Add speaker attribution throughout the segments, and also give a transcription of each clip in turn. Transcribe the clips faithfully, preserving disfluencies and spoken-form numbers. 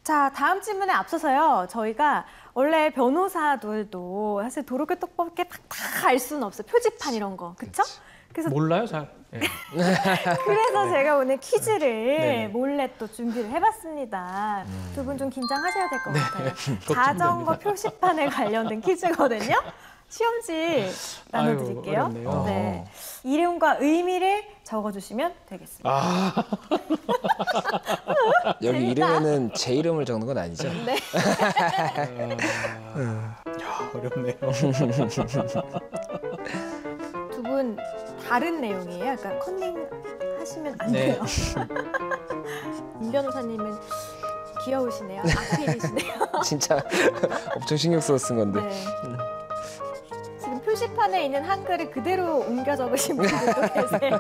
Speaker 1: 자, 다음 질문에 앞서서요. 저희가 원래 변호사들도 사실 도로교통법밖에 다 알 수는 없어요. 표지판 이런 거, 그렇죠?
Speaker 2: 그래서 몰라요, 잘. 네.
Speaker 1: 그래서 네. 제가 오늘 퀴즈를
Speaker 2: 네.
Speaker 1: 몰래 또 준비를 해봤습니다. 음. 두 분 좀 긴장하셔야 될 것
Speaker 2: 네.
Speaker 1: 같아요. 자전거 표지판에 관련된 퀴즈거든요. 시험지 나눠드릴게요.
Speaker 2: 아유,
Speaker 1: 네. 이름과 의미를 적어주시면 되겠습니다.
Speaker 2: 아.
Speaker 3: 여기
Speaker 1: 재밌다.
Speaker 3: 이름에는 제 이름을 적는 건 아니죠?
Speaker 1: 네.
Speaker 2: 아, 야, 어렵네요.
Speaker 1: 두 분 다른 내용이에요. 그러니까 컨닝 하시면 안
Speaker 2: 네.
Speaker 1: 돼요. 임 변호사님은 귀여우시네요. 악필이시네요.
Speaker 3: 진짜 엄청 신경 써서 쓴 건데.
Speaker 1: 네. 지금 표지판에 있는 한글을 그대로 옮겨 적으신 분들도 계세요.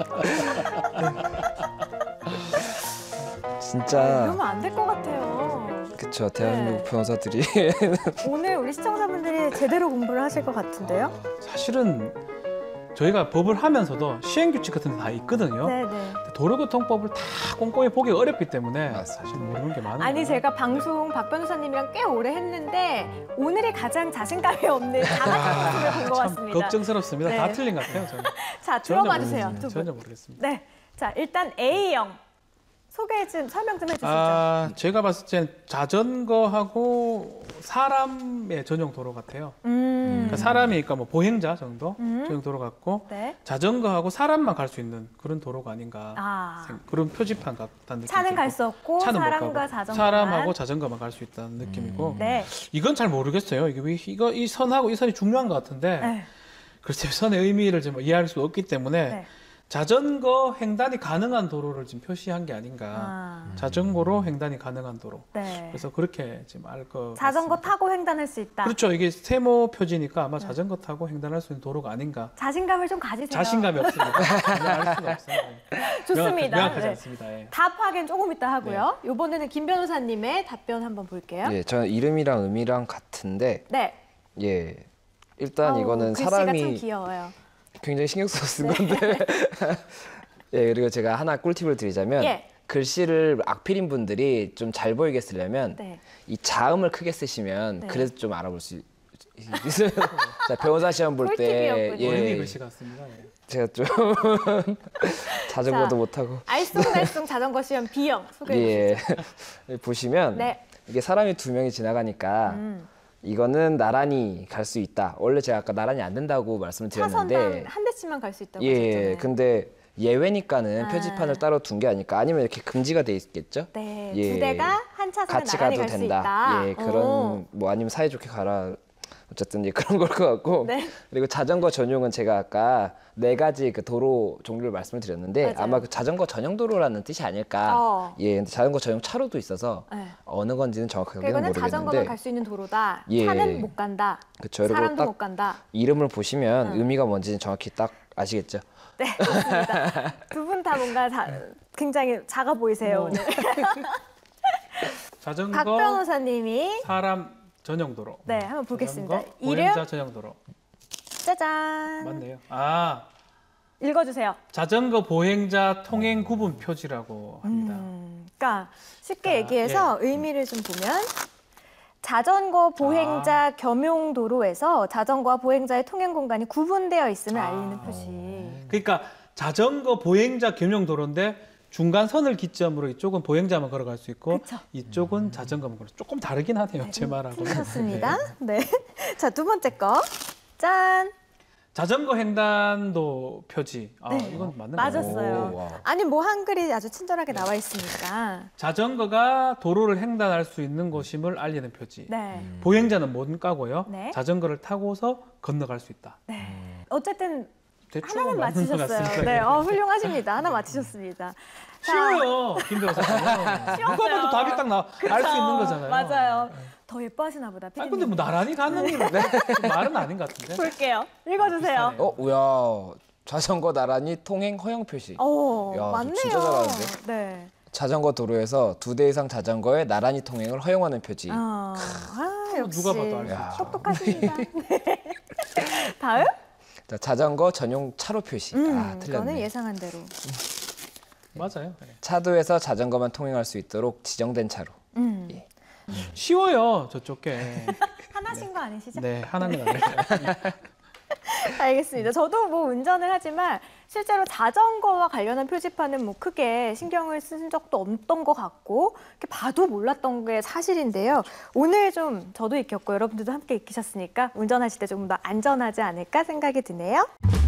Speaker 3: 진짜.
Speaker 1: 이러면 안 될 것 같아요.
Speaker 3: 그쵸, 대한민국
Speaker 1: 네.
Speaker 3: 변호사들이.
Speaker 1: 오늘 우리 시청자분들이 제대로 공부를 하실 것 같은데요?
Speaker 2: 아, 사실은 저희가 법을 하면서도 시행규칙 같은 데 다 있거든요.
Speaker 1: 네네.
Speaker 2: 도로교통법을 다 꼼꼼히 보기 어렵기 때문에
Speaker 3: 맞습니다.
Speaker 2: 사실 모르는 게 많아요.
Speaker 1: 아니 제가 방송 박 변호사님이랑 꽤 오래 했는데 오늘이 가장 자신감이 없는 자각한 모습을 본 것
Speaker 2: 참
Speaker 1: 같습니다.
Speaker 2: 걱정스럽습니다.
Speaker 1: 네.
Speaker 2: 다 틀린 것 같아요. 저는.
Speaker 1: 자,
Speaker 2: 전혀
Speaker 1: 들어봐 주세요.
Speaker 2: 모르겠습니다.
Speaker 1: 두 분.
Speaker 2: 전혀 모르겠습니다.
Speaker 1: 네. 자, 일단 A형. 소개 좀 설명 좀 해주시죠.
Speaker 2: 아, 제가 봤을 땐 자전거하고 사람의 전용 도로 같아요.
Speaker 1: 음.
Speaker 2: 그러니까 사람이 그러니까 뭐 보행자 정도
Speaker 1: 음.
Speaker 2: 전용 도로 같고
Speaker 1: 네.
Speaker 2: 자전거하고 사람만 갈 수 있는 그런 도로가 아닌가.
Speaker 1: 아.
Speaker 2: 생- 그런 표지판 같다는 느낌이
Speaker 1: 차는 갈
Speaker 2: 들고.
Speaker 1: 수 없고
Speaker 2: 차는 못
Speaker 1: 사람과
Speaker 2: 가고
Speaker 1: 자전거만.
Speaker 2: 사람하고 자전거만 갈 수 있다는 느낌이고
Speaker 1: 네.
Speaker 2: 이건 잘 모르겠어요. 이게 왜 이거 이 선하고 이 선이 중요한 것 같은데
Speaker 1: 네.
Speaker 2: 글쎄요 선의 의미를 좀 이해할 수 없기 때문에
Speaker 1: 네.
Speaker 2: 자전거 횡단이 가능한 도로를 지금 표시한 게 아닌가.
Speaker 1: 아.
Speaker 2: 자전거로 횡단이 가능한 도로.
Speaker 1: 네.
Speaker 2: 그래서 그렇게 지금 알 것
Speaker 1: 자전거
Speaker 2: 같습니다.
Speaker 1: 타고 횡단할 수 있다.
Speaker 2: 그렇죠. 이게 세모 표지니까 아마
Speaker 1: 네.
Speaker 2: 자전거 타고 횡단할 수 있는 도로가 아닌가.
Speaker 1: 자신감을 좀 가지세요.
Speaker 2: 자신감이 없습니다. 그냥 알 수가 없어요.
Speaker 1: 좋습니다.
Speaker 2: 명확하지
Speaker 1: 네.
Speaker 2: 않습니다. 예.
Speaker 1: 답 확인 조금 이따 하고요. 이번에는 김 변호사님의 답변 한번 볼게요.
Speaker 3: 예, 저는 이름이랑 의미랑 같은데,
Speaker 1: 네.
Speaker 3: 예. 일단
Speaker 1: 아우,
Speaker 3: 이거는
Speaker 1: 글씨가 참
Speaker 3: 사람이
Speaker 1: 귀여워요.
Speaker 3: 굉장히 신경 써서 쓴
Speaker 1: 네.
Speaker 3: 건데. 예, 그리고 제가 하나 꿀팁을 드리자면,
Speaker 1: 예.
Speaker 3: 글씨를 악필인 분들이 좀 잘 보이게 쓰려면,
Speaker 1: 네.
Speaker 3: 이 자음을 크게 쓰시면
Speaker 1: 네.
Speaker 3: 그래도 좀 알아볼 수 있어요. 자, 변호사 시험 볼 때
Speaker 1: 꿀팁이었군요.
Speaker 2: 어린이
Speaker 3: 예,
Speaker 2: 글씨 같습니다. 예.
Speaker 3: 제가 좀 자전거도
Speaker 1: 자,
Speaker 3: 못하고
Speaker 1: 알쏭달쏭 자전거 시험 B형 소개해
Speaker 3: 예
Speaker 1: 주시죠.
Speaker 3: 보시면
Speaker 1: 네.
Speaker 3: 이게 사람이 두 명이 지나가니까
Speaker 1: 음.
Speaker 3: 이거는 나란히 갈 수 있다. 원래 제가 아까 나란히 안 된다고 말씀을
Speaker 1: 차선당
Speaker 3: 드렸는데
Speaker 1: 한 대씩만 갈 수 있다고
Speaker 3: 예
Speaker 1: 하셨잖아요.
Speaker 3: 근데 예외니까는
Speaker 1: 아.
Speaker 3: 표지판을 따로 둔 게 아닐까. 아니면 이렇게 금지가 돼 있겠죠.
Speaker 1: 네,
Speaker 3: 예.
Speaker 1: 두 대가 한 차선에
Speaker 3: 같이
Speaker 1: 나란히
Speaker 3: 가도
Speaker 1: 갈 수
Speaker 3: 된다.
Speaker 1: 있다.
Speaker 3: 예, 그런
Speaker 1: 오.
Speaker 3: 뭐 아니면 사이좋게 가라. 어쨌든 예, 그런 걸 것 같고.
Speaker 1: 네.
Speaker 3: 그리고 자전거 전용은 제가 아까 네 가지 그 도로 종류를 말씀을 드렸는데
Speaker 1: 맞아요.
Speaker 3: 아마 그 자전거 전용 도로라는 뜻이 아닐까.
Speaker 1: 어.
Speaker 3: 예, 근데 자전거 전용 차로도 있어서
Speaker 1: 네.
Speaker 3: 어느 건지는 정확하게는
Speaker 1: 그러니까 이거는 자전거만
Speaker 3: 모르겠는데.
Speaker 1: 갈 수 있는 도로다.
Speaker 3: 예.
Speaker 1: 차는 못 간다.
Speaker 3: 그쵸, 그리고
Speaker 1: 사람도
Speaker 3: 딱
Speaker 1: 못 간다.
Speaker 3: 이름을 보시면
Speaker 1: 응.
Speaker 3: 의미가 뭔지는 정확히 딱 아시겠죠.
Speaker 1: 네, 좋습니다. 두 분 다 뭔가 자, 굉장히 작아 보이세요,
Speaker 2: 뭐.
Speaker 1: 오늘.
Speaker 2: 자전거
Speaker 1: 박 변호사님이
Speaker 2: 사람 전용 도로.
Speaker 1: 네, 한번 보겠습니다.
Speaker 2: 자전거,
Speaker 1: 이름
Speaker 2: 보행자 전용 도로.
Speaker 1: 짜잔.
Speaker 2: 맞네요. 아,
Speaker 1: 읽어주세요.
Speaker 2: 자전거 보행자 통행 구분 표지라고 합니다.
Speaker 1: 음, 그러니까 쉽게
Speaker 2: 자,
Speaker 1: 얘기해서 의미를 좀 보면 자전거 보행자
Speaker 2: 아.
Speaker 1: 겸용 도로에서 자전거와 보행자의 통행 공간이 구분되어 있음을
Speaker 2: 아.
Speaker 1: 알리는 표시.
Speaker 2: 그러니까 자전거 보행자 겸용 도로인데 중간 선을 기점으로 이쪽은 보행자만 걸어갈 수 있고
Speaker 1: 그쵸.
Speaker 2: 이쪽은 자전거만 걸어. 조금 다르긴 하네요. 제 말하고.
Speaker 1: 틀리셨습니다. 네. 자, 두 번째 거. 짠.
Speaker 2: 자전거 횡단도 표지. 아,
Speaker 1: 네.
Speaker 2: 이건 맞는 거예요.
Speaker 1: 맞았어요.
Speaker 3: 오, 와우.
Speaker 1: 아니 뭐 한글이 아주 친절하게 나와 있으니까.
Speaker 2: 자전거가 도로를 횡단할 수 있는 곳임을 알리는 표지.
Speaker 1: 네.
Speaker 2: 보행자는 못 가고요.
Speaker 1: 네.
Speaker 2: 자전거를 타고서 건너갈 수 있다.
Speaker 1: 네. 어쨌든
Speaker 2: 대충
Speaker 1: 하나는
Speaker 2: 맞는 것
Speaker 1: 맞히셨어요.
Speaker 2: 같습니다.
Speaker 1: 네, 어, 훌륭하십니다. 하나 맞히셨습니다. 자,
Speaker 2: 쉬워요, 김 변호사님. 누가 봐도 답이 딱 나와. 알 수 있는 거잖아요.
Speaker 1: 맞아요. 더 예뻐하시나 보다.
Speaker 2: 아니 근데 뭐 나란히 가는 일은 좀 말은 아닌 것 같은데.
Speaker 1: 볼게요. 읽어주세요.
Speaker 2: 비슷하네요.
Speaker 3: 어, 우야. 자전거 나란히 통행 허용 표시.
Speaker 1: 오,
Speaker 3: 야, 저
Speaker 1: 맞네요.
Speaker 3: 진짜 잘하는데?
Speaker 1: 네.
Speaker 3: 자전거 도로에서 두 대 이상 자전거의 나란히 통행을 허용하는 표지.
Speaker 1: 어, 아, 역시
Speaker 2: 누가 봐도 알 수
Speaker 3: 야.
Speaker 2: 있죠.
Speaker 1: 똑똑하십니다. 네. 다음?
Speaker 3: 자, 자전거 전용 차로 표시.
Speaker 1: 음,
Speaker 3: 아,
Speaker 1: 이거는
Speaker 3: 틀렸네.
Speaker 1: 예상한 대로.
Speaker 2: 맞아요. 네.
Speaker 3: 차도에서 자전거만 통행할 수 있도록 지정된 차로.
Speaker 1: 음.
Speaker 3: 예.
Speaker 2: 쉬워요, 저쪽 게.
Speaker 1: 하나신 거 아니시죠?
Speaker 2: 네, 하나는 아니에요.
Speaker 1: 알겠습니다. 저도 뭐 운전을 하지만 실제로 자전거와 관련한 표지판은 뭐 크게 신경을 쓴 적도 없던 것 같고 이렇게 봐도 몰랐던 게 사실인데요. 오늘 좀 저도 익혔고 여러분들도 함께 익히셨으니까 운전하실 때 조금 더 안전하지 않을까 생각이 드네요.